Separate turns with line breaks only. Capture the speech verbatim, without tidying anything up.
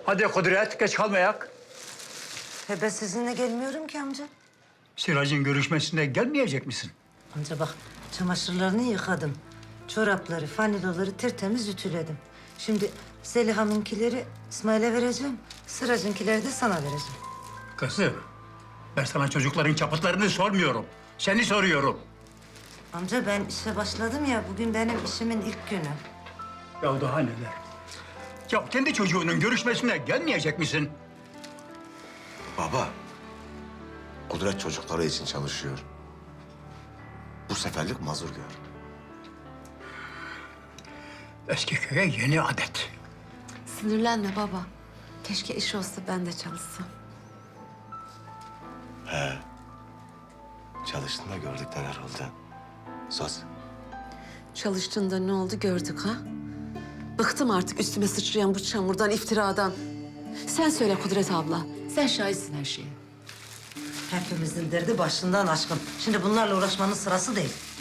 Hadi Kudret, geç kalmayak.
He ben sizinle gelmiyorum ki amca.
Siracın görüşmesine gelmeyecek misin?
Amca bak çamaşırlarını yıkadım. Çorapları, faniloları tertemiz ütüledim. Şimdi Zeliha'nınkileri İsmail'e vereceğim. Sıracınkileri de sana vereceğim.
Kızım, ben sana çocukların çaputlarını sormuyorum. Seni soruyorum.
Amca ben işe başladım ya, bugün benim işimin ilk günü.
Ya daha neler? Ya kendi çocuğunun görüşmesine gelmeyecek misin?
Baba, Kudret çocukları için çalışıyor. Bu seferlik mazur gör.
Eski köye yeni adet.
Sinirlenme baba. Keşke iş olsa ben de çalışsam.
Çalıştın da gördük neler oldu. Söz.
Çalıştığında ne oldu gördük ha? Bıktım artık üstüme sıçrayan bu çamurdan, iftiradan. Sen söyle Kudret abla. Sen şahitsin her şeye.
Hepimizin derdi başından aşkın. Şimdi bunlarla uğraşmanın sırası değil.